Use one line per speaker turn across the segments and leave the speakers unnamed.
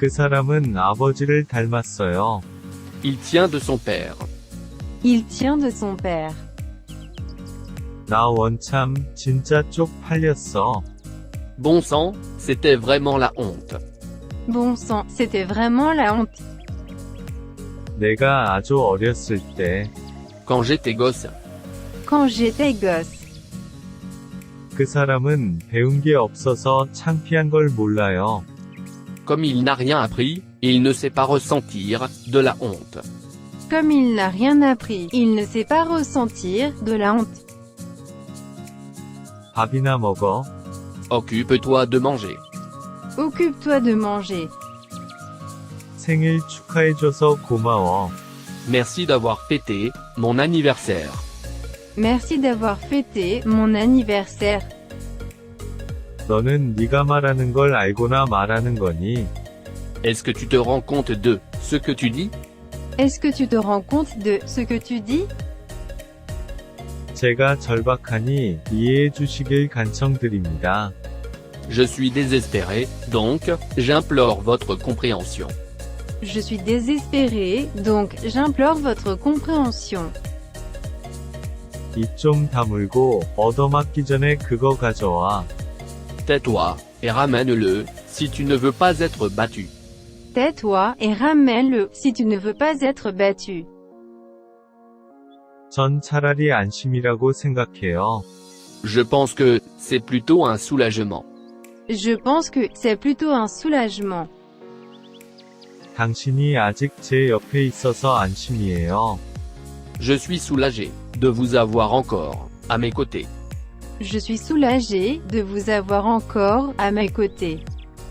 그 사람은 아버지를 닮았어요.
Il tient de son père.
Il tient de son père.
나 원참 진짜 쪽팔렸어.
Bon sang, c'était vraiment la honte.
Bon sang, c'était vraiment la honte.
내가 아주 어렸을 때,
Quand j'étais gosse,
Quand j'étais gosse,
그 사람은 배운 게 없어서 창피한 걸 몰라요.
comme il n'a rien appris, il ne sait pas ressentir de la honte.
comme il n'a rien appris, il ne sait pas ressentir de la honte.
밥이나 먹어.
Occupe-toi de manger.
Occupe-toi de manger.
생일 축하해줘서 고마워.
Merci d'avoir fêté mon anniversaire.
Merci d'avoir fêté mon anniversaire.
너는 네가 말하는 걸 알고나 말하는 거니?
Est-ce que tu te rends compte de ce que tu dis?
Est-ce que tu te rends compte de ce que tu dis?
제가 절박하니 이해해 주시길 간청드립니다.
Je suis désespéré, donc, j'implore votre compréhension.
Je suis désespéré, donc j'implore votre compréhension.
입 좀 다물고 얻어맞기 전에 그거 가져와.
Tais-toi, et ramène-le, si tu ne veux pas être battu.
Tais-toi et ramène-le, si tu ne veux pas être battu.
전 차라리 안심이라고 생각해요.
Je pense que c'est plutôt un soulagement.
Je pense que c'est plutôt un soulagement.
당신이 아직 제 옆에 있어서 안심이에요.
Je suis soulagé de vous avoir encore à mes côtés.
Je suis soulagé de vous avoir encore à mes côtés.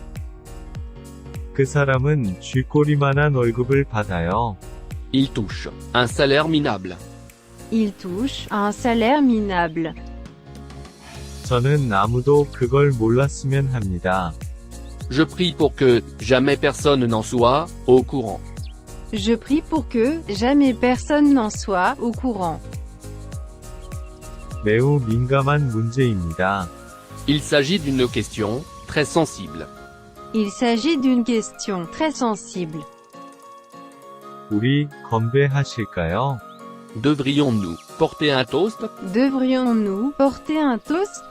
그 사람은 쥐꼬리만한 월급을 받아요.
Il touche un salaire minable.
Il touche à un salaire minable.
저는 아무도 그걸 몰랐으면 합니다.
Je prie pour que jamais personne n'en soit au courant.
Je prie pour que jamais personne n'en soit au courant.
매우 민감한 문제입니다.
Il s'agit d'une question très sensible.
Il s'agit d'une question très sensible.
우리 건배하실까요?
Devrions-nous porter un toast?
Devrions-nous porter un toast?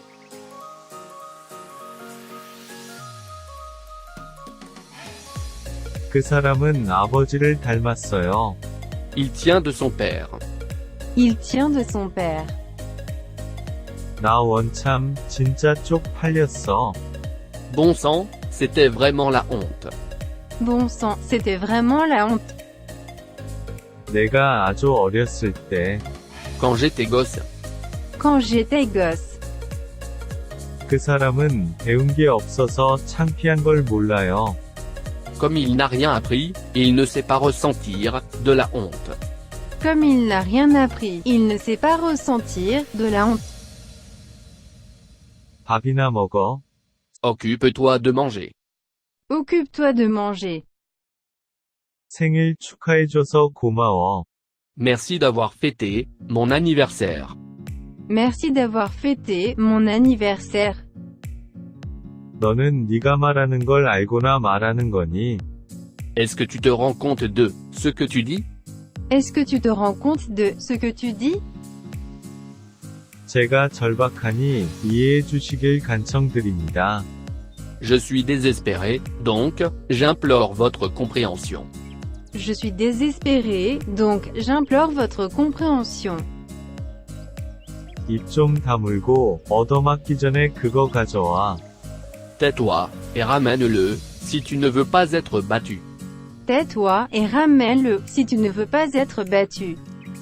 그 사람은 아버지를 닮았어요.
Il tient de son père.
Il tient de son père.
나 원참 진짜 쪽팔렸어.
Bon sang, c'était vraiment la honte.
Bon sang, c'était vraiment la honte.
내가 아주 어렸을 때,
Quand j'étais gosse,
Quand j'étais gosse,
그 사람은 배운 게 없어서 창피한 걸 몰라요.
comme il n'a rien appris, il ne sait pas ressentir de la honte.
comme il n'a rien appris, il ne sait pas ressentir de la honte.
밥이나 먹어.
Occupe-toi de manger.
Occupe-toi de manger.
생일 축하해줘서 고마워.
Merci d'avoir fêté mon anniversaire.
Merci d'avoir fêté mon anniversaire.
너는 네가 말하는 걸 알고나 말하는 거니?
Est-ce que tu te rends compte de ce que tu dis?
Est-ce que tu te rends compte de ce que tu dis?
제가 절박하니 이해해 주시길 간청드립니다.
Je suis désespéré, donc, j'implore votre compréhension.
Je suis désespéré, donc j'implore votre compréhension.
입 좀 다물고 얻어맞기 전에 그거 가져와.
Tais-toi, et ramène-le, si tu ne veux pas être battu.
Tais-toi et ramène-le, si tu ne veux pas être battu.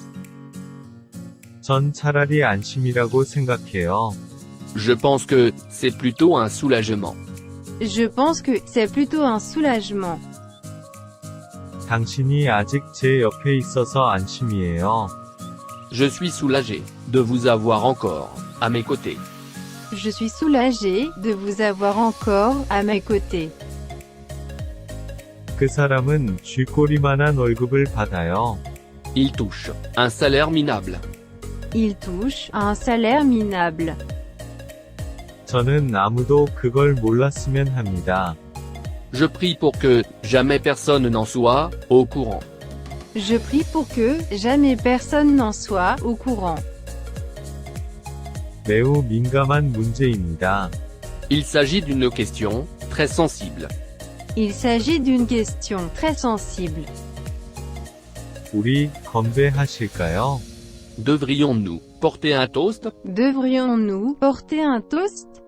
전 차라리 안심이라고 생각해요.
Je pense que c'est plutôt un soulagement.
Je pense que c'est plutôt un soulagement.
당신이 아직 제 옆에 있어서 안심이에요.
Je suis soulagé de vous avoir encore à mes côtés.
Je suis soulagé de vous avoir encore à mes côtés.
그 사람은 쥐꼬리만한 월급을 받아요.
Il touche un salaire minable.
Il touche à un salaire minable.
저는 아무도 그걸 몰랐으면 합니다.
Je prie pour que jamais personne n'en soit au courant.
Je prie pour que jamais personne n'en soit au courant.
매우 민감한 문제입니다.
Il s'agit d'une question très sensible.
Il s'agit d'une question très sensible.
우리 건배하실까요?
Devrions-nous porter un toast?
Devrions-nous porter un toast?